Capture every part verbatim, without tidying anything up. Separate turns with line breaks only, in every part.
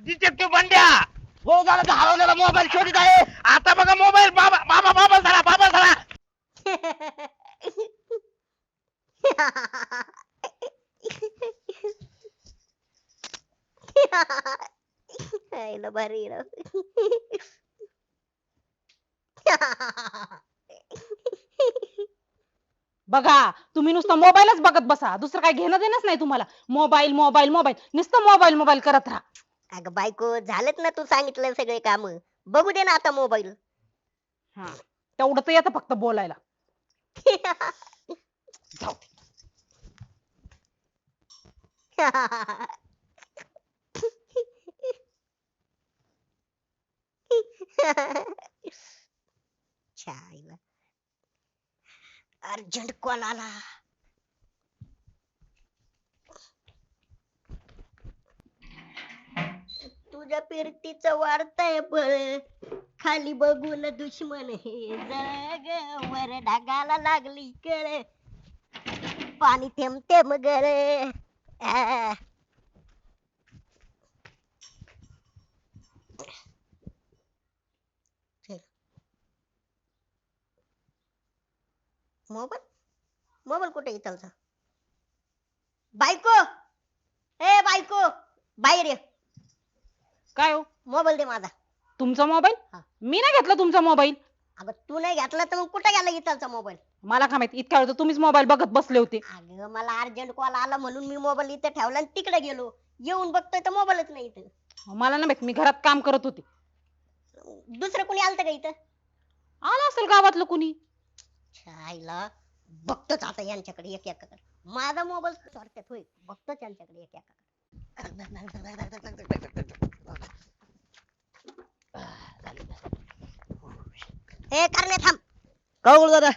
Detective बंड्या
गोळदाराचा हरवलेला mobile शोधित आहे.
आता बघा मोबाईल बाबा बाबा बाबा झाला बाबा झाला.
आईला भारी राव.
बघा तुम्ही नुसतं मोबाईलच बघत बसा, दुसरं काय घेणं देणंच नाही तुम्हाला. मोबाईल मोबाईल मोबाईल नुसतं मोबाईल मोबाईल करत राहा.
अगं बायको झालेत ना तू सांगितलं सगळे काम, बघू दे ना आता मोबाईल.
हा तेवढं तर येतं फक्त बोलायला. जाऊ दे.
छायला अर्जंट कॉल आला. तुझ्या फिरतीचं वाढतंय बळ, खाली बघून दुश्मन हे जग, वर ढगाला लागली कळ, पाणी थेंब थेंब गर. आ. मोबाईल मोबाईल कुठे इथलचा? बायको, ए बायको बाहेर ये.
काय हो
मोबाईल दे माझा.
तुमचा मोबाईल?
हा.
मी नाही घेतला तुमचा मोबाईल.
अगं तू नाही घेतला तर मग कुठे गेला इथलचा मोबाईल?
मला काय माहिती, इतक्या वेळ तर तुम्हीच मोबाईल बघत बसले होते.
अगं मला अर्जंट कॉल आला म्हणून मी मोबाईल इथे ठेवला आणि तिकडे गेलो. येऊन बघतोय तर मोबाईलच नाही इथं.
मला नाही माहिती, मी घरात काम करत होते.
दुसरं कोणी आलतं का इथं?
आलं असेल गावातलं कुणी.
छायला बघतोच आता यांच्याकडे एक एकाकडे. माझा मोबाईल चोरत्यात होय, बघतोच यांच्याकडे एक एकाकडे. ए करणे थांब.
का गोळदारा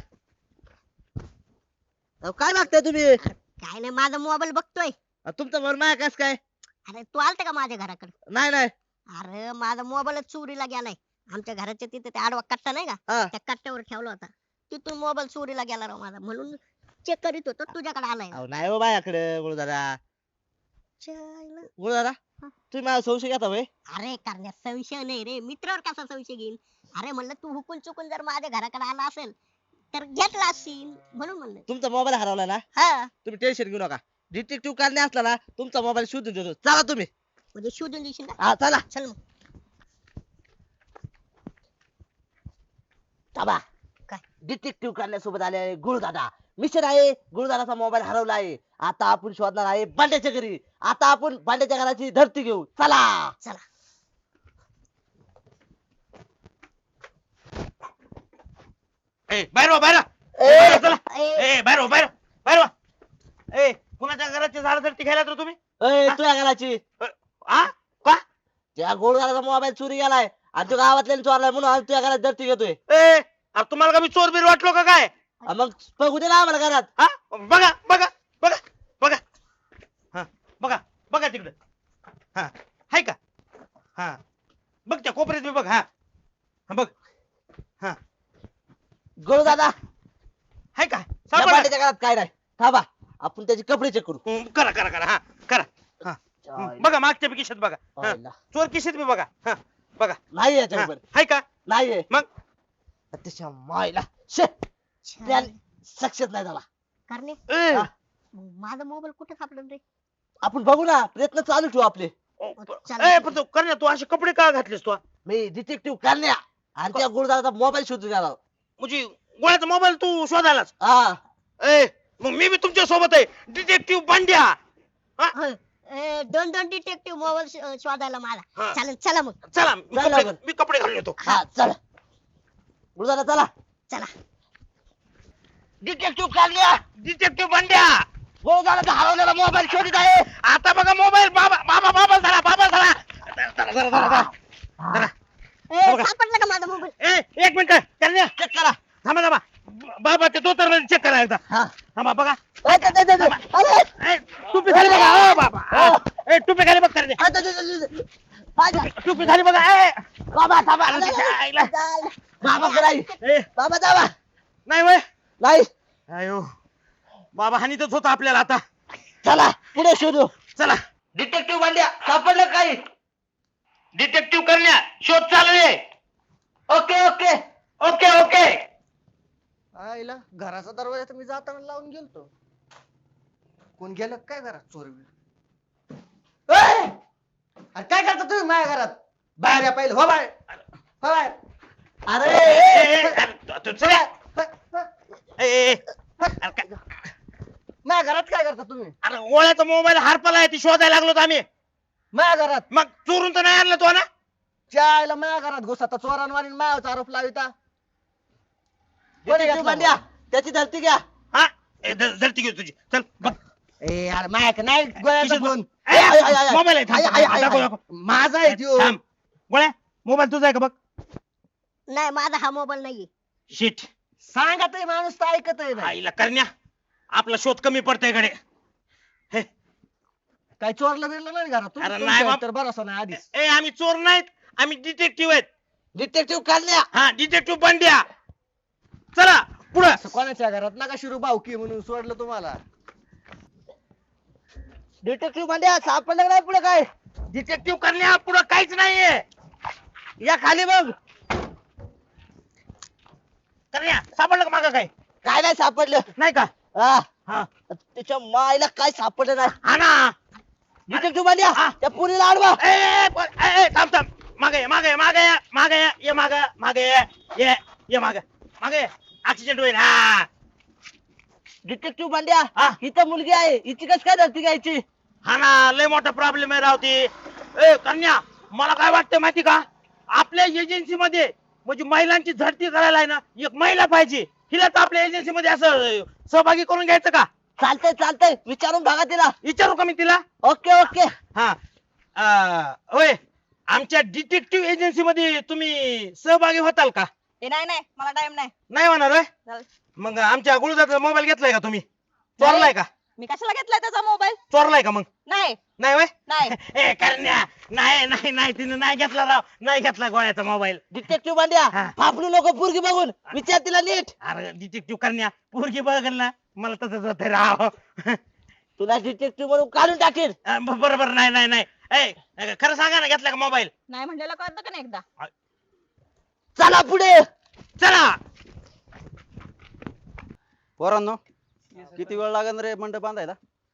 काय मागताय तुम्ही?
काय नाही माझा मोबाईल बघतोय.
तुमचा मोबाईल माझ्या कस काय?
अरे तू आलता का माझ्या घराकडे?
नाही नाही.
अरे माझा मोबाईलच चोरीला गेलाय. आमच्या घराच्या तिथे ते आडवा कट्टा नाही का,
हा.
त्या कट्ट्यावर ठेवला होता. तिथून मोबाईल चोरीला गेला राव माझा, म्हणून चेक करीत होतो तुझ्याकडे आलाय.
अहो नाही हो माझ्याकडे गोळदारा.
छायला.
गोळदारा
हा.
तुम्ही माझा संशय घेता होय?
अरे करण्यात संशय नाही रे, मित्रावर कसा संशय घेईन? अरे म्हणलं तू हुकून चुकून जर माझ्या घराकडे आला असेल तर घेतला असशील म्हणून म्हणलं.
तुमचा मोबाईल हरवला ना,
हा
तुम्ही टेन्शन घेऊ नका. डिटेक्टिव्ह करणे असला ना तुमचा मोबाईल शोधून देतो. चला तुम्ही.
म्हणजे शोधून देशील का?
हा चला.
चल मग.
थांबा.
काय?
डिटेक्टिव्ह करण्यासोबत आले गुरुदादा. मिशन आहे, गुरुदादाचा मोबाईल हरवला आहे. आता आपण शोधणार आहे बांड्याच्या घरी. आता आपण बांड्याच्या घराची धरती घेऊ. चला
चला.
ए बाहेर वा, बाहेर वा.
ए,
बाहेर चला.
ए,
ए बाहेर वा, बाहेर वा, बाहेर वा. ए कुणाच्या घराची झाड धरती घ्यायला तर तुम्ही?
ए, तुझ्या घराची.
आ का?
त्या गुरुदादाचा मोबाईल चोरी गेलाय आणि तो गावातल्या चोरलाय म्हणून आम्ही तुझ्या घरात धरती घेतोय.
ए अरे तुम्हाला का मी चोर बीर वाटलो का काय?
हा, मग बघू दे ना आम्हाला घरात.
हा बघा बघा बघा बघा. हा बघा बघा तिकडं. हा हाय का? हा बघ त्या कोपऱ्यात बी बघ. हा हा बघ. हा
गुरुदादा
हाय का?
या
सापडला?
बांड्याच्या घरात काय नाही. थांबा आपण त्याचे कपडे चेक करू.
हम्म, करा करा करा. हा करा. हा हम्म, बघा मागच्या बी खिशात बघा. हा,
हायला.
चोर खिशात बी बघा. हा बघा.
नाही
हा,
याच्यावर
हाय का?
नाहीये.
मग
त्याच्या मायला शे
छान.
सक्सेस नाही झाला.
करणे
ए,
हा.
मग माझा मोबाईल कुठे सापडला रे?
आपण बघू ना, प्रयत्न चालू ठेवू आपले.
ओ,
चल.
ए पण तू करण्या तू असे कपडे का घातलेस तू?
मी डिटेक्टिव्ह करण्या आणि त्या गुरुदाराचा मोबाईल शोधून आला.
म्हणजे गोळ्याचा मोबाईल तू शोधायलाच?
हा
ए मग मी बी तुमच्या सोबत आहे, डिटेक्टिव्ह बंड्या.
होय. ए, दोन दोन डिटेक्टिव्ह मोबाईल शोधायला मला.
हा.
चालेल चला मग.
चला मी
चला
कपडे
बरं.
मी कपडे घालून येतो.
हा चला गुरुदारा चला.
चला.
डिटेक्टिव्ह करण्या
डिटेक्टिव्ह बंड्या
गुरुदाराचा हरवलेला मोबाईल शोधित आहे.
आता बघा मोबाईल बाबा बाबा बाबा झाला बाबा झाला. जरा, जरा, जरा, जरा, जरा.
ए,
बघा.
सापडला का माझा मोबाईल?
ए एक मिनिट करण्या
चेक करा.
थांबा थांबा. बाबा ते धोतर चेक करा एकदा.
हा
थांबा बघा.
ए, ते- ते- ते- ते- अरे!
ए, टोपी खाली बघा. ओ बाबा.
हो.
ए टोपी खाली बघ करण्या.
अरे, ते- ते- ते- ते- बाबा
टोपी खाली बघा. ए
बाबा थांबा.
अरे, तिच्या आईला.
बाबा नाही.
ए,
बाबा थांबा.
नाही वय.
नाही
अयो बाबा हानीतच होता आपल्याला आता.
चला पुढे शोधू.
चला.
डिटेक्टिव्ह बांड्या सापडलं काही?
डिटेक्टिव्ह करण्या शोध चालू आहे.
Okay okay
okay okay.
आईला घराचा दरवाजा तर मी जाताना लावून गेलतो. कोण गेलं काय घरात चोर बिर? ए! अरे काय करता तुम्ही माझ्या घरात? बाहेर या पहिले, हो बाहेर, हो बाहेर.
अरे
ए, ए, अरे, तू चल.
ह, ह,
ए, ए, ए. अरे काय-
माझ्या घरात काय करता तुम्ही?
अरे गोळ्याचा मोबाईल हरपला आहे ती शोधायला लागलो होतो आम्ही.
माझ्या घरात
मग चोरून तर नाही आणलं तो ना.
त्या आईला माझ्या घरात घुसता चोरांवारी माझ्यावर आरोप लाविता. कोणी
डिटेक्टिव्ह
घेतला
भांड्या त्याची धरती घ्या.
हा ए, धर- धरती घेऊ तुझी चल बघ.
ए यार माझ्या नाही गोळ्याचा
खिशात
फोन.
बघ. ए,
आय, आय, आय, आय.
मोबाईल आहे थांब,
आय, आय, आय,
दाखव,
आय.
दाखव.
माझा आहे त्यो.
थांब. गोळ्या मोबाईल तुझा आहे का बघ.
नाही माझा हा मोबाईल नाहीये.
शिट.
सांगा ते माणूस तर ऐकत आहे नाही.
आईला करण्या आपला शोध कमी पडतोय कडे. हे
काय चोरलं बिरलं नाही घरात?
अरे
तुमच्या
नाही बाप.
तर भरोसा नाही आधीच.
ए आम्ही चोर नाहीत आम्ही डिटेक्टिव्ह आहेत.
डिटेक्टिव्ह काढल्या.
हा डिटेक्टिव्ह बंड्या. चला पुढं.
असं कोणाच्या घरात नका शिरू भाऊकी म्हणून सोडलं तुम्हाला.
डिटेक्टिव्ह भांड्या सापडलं का नाही पुढे काय?
डिटेक्टिव्ह करण्या पुढं काहीच नाहीये.
या खाली बघ.
करण्या सापडलं का मागं काय
काय नाही सापडलं.
नाही का.
हा
हा
त्याच्या मायला काय सापडलं नाही.
हा ना.
डिटेक्टिव्ह भांड्या
हा.
त्या पुरीला आडवा.
ए, ए, प- ए, ए, थांब थांब मागे ये, मागे ये, मागे ये, मागे ये, ये माग मागे ये, ये ये माग मागे ऍक्सिडेंट होईल. हा
डिटेक्टिव्ह भांड्या
हा.
इथं मुलगी आहे हिची कस काय धरती घ्यायची?
हा ना लय मोठा प्रॉब्लेम आहे रावती. ए कन्या मला काय वाटतं माहिती का आपल्या एजन्सी मध्ये म्हणजे महिलांची झडती करायला आहे ना एक महिला पाहिजे. हिलाच आपल्या एजन्सी मध्ये असं सहभागी करून घ्यायचं का.
चालतंय चालतंय विचारून बघा तिला.
विचारू का मी तिला.
Okay okay.
हा अं, होय आमच्या डिटेक्टिव्ह एजन्सी मध्ये तुम्ही सहभागी होताल का.
ए, नाही नाही मला टाइम नाही.
नाही होणार होय?
चालेल.
मग आमच्या गुळदाचा मोबाईल घेतलाय का तुम्ही. चोरलाय का.
मी कशाला घेतलाय त्याचा मोबाईल?
चोरलाय का मग.
नाही
नाही होय.
नाही.
ए करण्या नाही नाही नाही तिने नाही घेतला राव नाही घेतला गोळ्याचा मोबाईल.
डिटेक्टिव्ह भांड्या
हा.
फापलू नको पोरगी बघून विचार तिला नीट.
अरे डिटेक्टिव्ह करण्या पोरगी बघल ना मला तसंच होत राव.
तुला डिटेक्टिव्ह म्हणून काढून टाकेल.
अं, ब- बरोबर नाही नाही नाही. ए खरं सांगा ना घेतला का मोबाईल.
नाही म्हणलेलं कळतं का नाही एकदा?
चला पुढे.
चला.
पोरांनो किती वेळ लागेल रे मंडप बांधायला.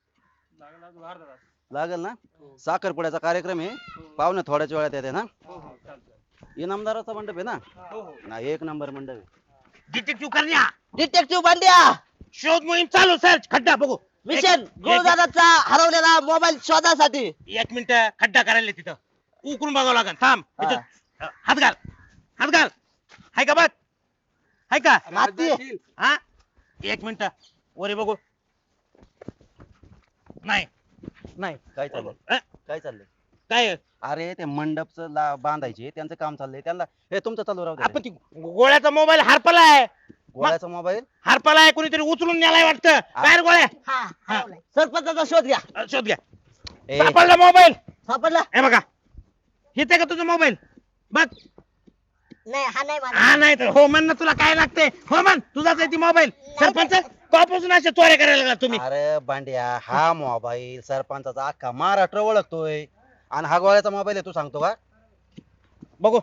लागेल ना. साखरपुड्याचा कार्यक्रम आहे पाहुणे थोड्याच वेळात येते ना. इनामदाराचा मंडप आहे ना. ना एक नंबर मंडप आहे.
डिटेक्टिव्ह करण्या
डिटेक्टिव्ह भांड्या
शोध मोहीम चालू सर्च खड्डा बघू.
मिशन
एक-
गुरुदादाचा हरवलेला मोबाईल शोधासाठी.
एक मिनिट खड्डा करायला तिथं उकरून बघावं लागेल. थांब
हा.
इथं, अं, हात घाल हात घाल. हाय का बघ हाय का.
माती.
हा एक मिनिट वरी बघू. नाही नाही
काय चाललंय
अं,
काय चाललंय.
काय
अरे ते मंडपचं ला बांधायचे त्यांचं काम चाललंय त्यांना हे तुमचं चालू राहू
आपण
दे.
ती गोळ्याचा मोबाईल हरपलाय.
गोळ्याचा मोबाईल
हरपलाय कोणीतरी उचलून नेलाय वाटतं. काय रे गोळ्या.
हा हरवलाय.
सरपंचाचा शोध घ्या.
अं, शोध घ्या.
ए,
सापडला मोबाईल.
सापडला.
हे बघा हेच आहे का तुझा मोबाईल बघ.
नाही हा नाही माझा.
हा नाही तर हो म्हण ना तुला काय लागते. हो म्हण तुझाच आहे ती मोबाईल. सरपंच कॉपासून अशा चोऱ्या करायला लागला तुम्ही.
अरे बांड्या हा मोबाईल सरपंचाचा अख्खा महाराष्ट्र ओळखतोय आणि हा गोळ्याचा मोबाईल आहे तू सांगतो का.
बघू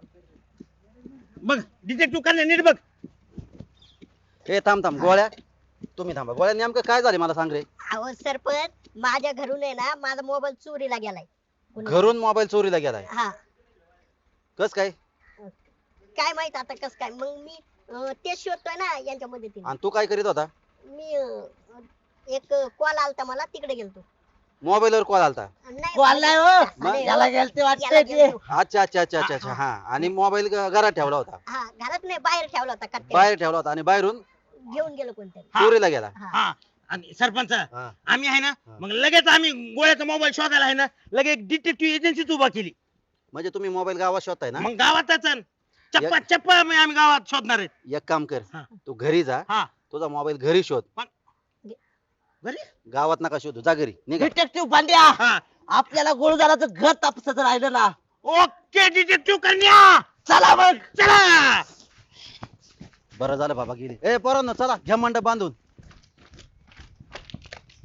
बघ डिटेक्टिव्ह करण्या नीट बघ.
ए थांब थांब गोळ्या तुम्ही थांबा. गोळ्या नेमकं काय झाले मला सांग रे.
अहो सरपंच माझ्या घरून आहे ना माझा मोबाईल चोरीला गेलाय. कुणी-
घरून मोबाईल चोरीला गेलाय
हा
कस काय.
काय माहित आता कस काय मग मी अं, तेच शोधतोय ना यांच्या मदतीने.
आणि तू काय करीत होता.
मी अं, एक कॉल आलता मला तिकडे गेलतो.
मोबाईलवर कॉल आलता.
नाही
कॉल नाही हो.
अरे,
याला गेलते
याला
वाटतंय ते.
गेलतो.
अच्छा अच्छा अच्छा अच्छा अच्छा हा आणि मोबाईल घरात ठेवला होता.
हा घरात नाही बाहेर ठेवला होता कट्ट्यावर.
बाहेर ठेवला होता आणि बाहेरून
घेऊन गेलो कोणतरी.
हा.
चोरीला गेला.
हा.
हा आणि सरपंच
हा.
आम्ही आहे ना
हा.
मग लगेच आम्ही गोळ्याचा मोबाईल शोधायला आहे ना लगेच डिटेक्टिव्ह एजन्सीच उभा केली.
म्हणजे तुम्ही मोबाईल गावात शोधताय ना.
मग गावातच अन चप्पा चप्पा आम्ही आम्ही गावात शोधणार आहेत.
एक काम कर
हा.
तू घरी जा
हा
तुझा मोबाईल घरी शोध.
घरी
गावात नका शोधू जा घरी निघा.
डिटेक्टिव्ह भांड्या
हा
आपल्याला गुरुदाराचं घर तापसाचं राहिलं ना.
ओके डिटेक्टिव्ह करण्या
चला मग.
चला.
बरं झालं बाबा गेली. ए पोरांनो चला घ्या मंडप बांधून.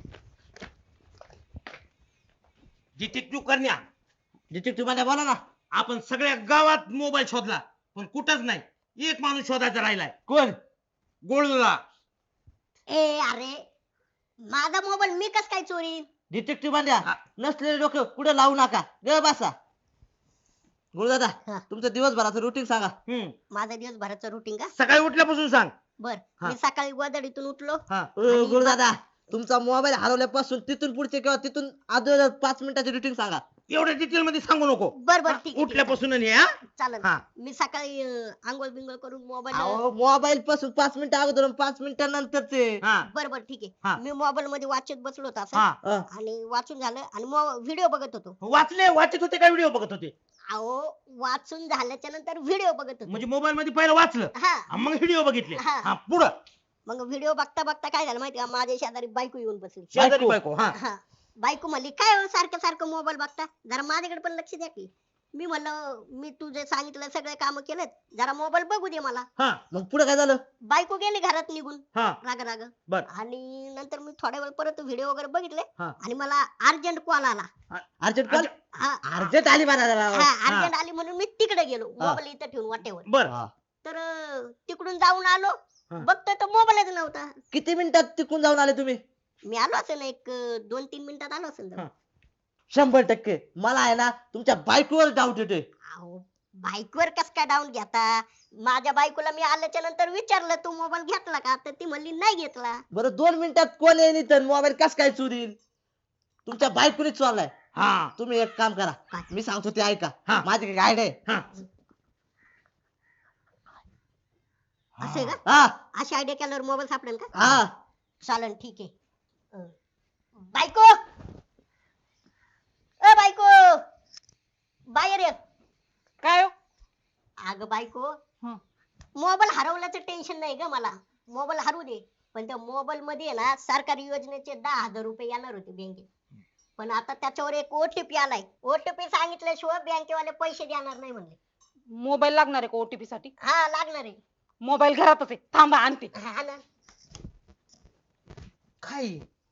डिटेक्टिव्ह करण्या
डिटेक्टिव्ह भांड्या बोला ना.
आपण सगळ्या गावात मोबाईल शोधला पण कुठंच नाही एक माणूस शोधायचा राहिलाय
कोण
गोळूला
ए अरे माझा मोबाईल मी कस काय चोरी
डिटेक्टिव्ह बांड्या
हा.
नसलेले डोकं पुढे लावू नका ग बसा गुरुदादा
हा.
तुमचं दिवसभराचं रुटीन सांगा
हम्म
माझा दिवसभराचं रुटीन का
सकाळी उठल्यापासून सांग
बर
हा.
मी सकाळी गोदडीतून उठलो
हा
अ,
आणि
गुरुदादा तुमचा मोबाईल हरवल्यापासून तिथून पुढचे किंवा तिथून अगोदर पाच मिनिटाचे रुटीन सांगा
एवढ्या डिटेल मध्ये सांगू नको
बर बर ठीक आहे, ठीक आहे
उठल्यापासून आणि हा
चालेल
हा.
मी सकाळी अं, आंघोळ बिंगोळ करून मोबाईल
अहो मोबाईल पासून पाच मिनिटं अगोदर आणि पाच मिनिटानंतरचे
हा
बर बर ठीक
हा.
आहे मी मोबाईल मध्ये वाचत बसलो होतो असं
हा
अ,
आणि वाचून झालं आणि व्हिडिओ बघत होतो
वाचले वाचत होते काय व्हिडिओ बघत होते
अहो वाचून झाल्याच्या नंतर व्हिडिओ बघत होतो
म्हणजे मोबाईल मध्ये पहिलं वाचलं
हा
हा, मग व्हिडिओ बघितले
हा.
हा पुढं
मग व्हिडिओ बघता बघता काय झालं माहिती का माझ्या शेजारी बायको येऊन बसली
शेजारी बायको हा
हा बायको म्हणली काय हो सारखं सारखं मोबाईल बघता जरा माझ्याकडे पण लक्ष द्या की मी म्हणलं मी तुझे सांगितलं सगळे काम केलेत जरा मोबाईल बघू दे मला
हा
मग पुढे काय झालं
बायको गेली घरात निघून
हा
राग राग
बर
आणि नंतर मी थोड्या वेळ परत व्हिडिओ वगैरे बघितले
हा.
आणि मला अर्जंट कॉल आला
अर्जंट कॉल
हा
अर्जंट आली म्हणा जरा.
हा अर्जंट आली म्हणून मी तिकडे गेलो
हा.
मोबाईल इथं ठेवून वाटेवर
बर
हा.
तर अं, तिकडून जाऊन आलो
हा.
बघतोय तर मोबाईलच नव्हता
किती मिनिटात तिकून जाऊन आले तुम्ही
मी आलो असेल एक अं, दोन तीन मिनिटात आलो असेल
हा.
शंभर टक्के मला आहे ना तुमच्या बायकोवर डाऊट येतोय
अहो बाईकवर कस काय डाऊन घेता माझ्या बायकोला मी आल्याच्या नंतर विचारलं तू मोबाईल घेतला का तर ती म्हणली नाही घेतला
बरं दोन मिनिटात कोण येईल इथं मोबाईल कस काय चोरील तुमच्या बायकोने चोरलाय
हा
तुम्ही एक काम करा
काय?
मी सांगतो ते ऐका
हा.
माझी काही आयडिया आहे
हा
असं आहे का
हा
अशी आयडिया केल्यावर मोबाईल सापडेल का
हा
चालन ठीक आहे अं, बायको अ बायको बाहेर ये
काय हो?
अगं बायको
हं.
मोबाईल हरवल्याचं टेन्शन नाही ग मला मोबाईल हरवू दे पण त्या मोबाईल मध्ये आहे ना सरकारी योजनेचे दहा हजार रुपये येणार होते बँकेत पण आता त्याच्यावर एक ओटीपी आलाय ओटीपी सांगितल्याशिवाय बँकेवाले पैसे देणार नाही म्हणले
मोबाईल लागणार आहे का ओटीपी साठी
हा लागणार आहे
मोबाईल घरातच आहे थांबा आणते
हा ना
काय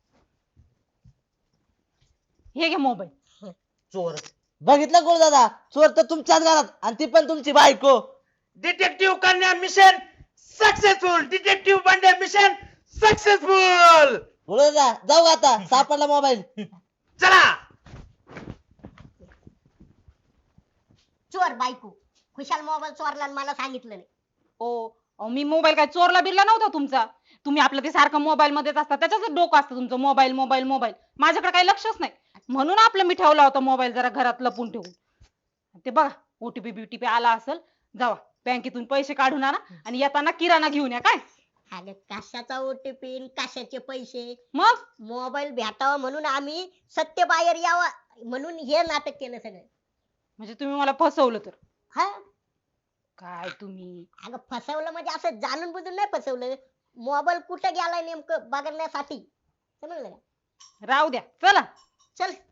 हे घे मोबाईल
चोर
बघितलं कोण दादा चोर तर तुमच्याच घरात आणि ती पण तुमची बायको
डिटेक्टिव्ह कन्या mission successful detective Bandya mission successful
बोलू दादा जाऊ आता सापडला मोबाईल
चला
चोर बायको खुशाल मोबाईल चोरला आणि मला सांगितलं नाही
ओ अहो, मी मोबाईल काय चोरला बिरला नव्हता तुमचा तुम्ही आपलं ते सारखं मोबाईल मध्येच असता त्याच्याच डोकं असतं तुमचं मोबाईल मोबाईल मोबाईल माझ्याकडे काही लक्षच नाही म्हणून आपलं मी ठेवला होता मोबाईल जरा घरात लपून ठेवून ते बघा ओटीपी बीटीपी आला असेल जावा बँकेतून पैसे काढून आणा आणि येताना किराणा घेऊन या काय
अगं कशाचा ओटीपी कशाचे पैसे
मग
मोबाईल भेटावा म्हणून आम्ही सत्य बाहेर यावा म्हणून हे नाटक केलं सगळं
म्हणजे तुम्ही मला फसवलं तर
हा
काय तुम्ही
अगं फसवलं म्हणजे असं जाणून बुजून नाही फसवलं मोबाईल कुठे गेलाय नेमकं बघण्यासाठी समजलं का
राहू द्या चला
चल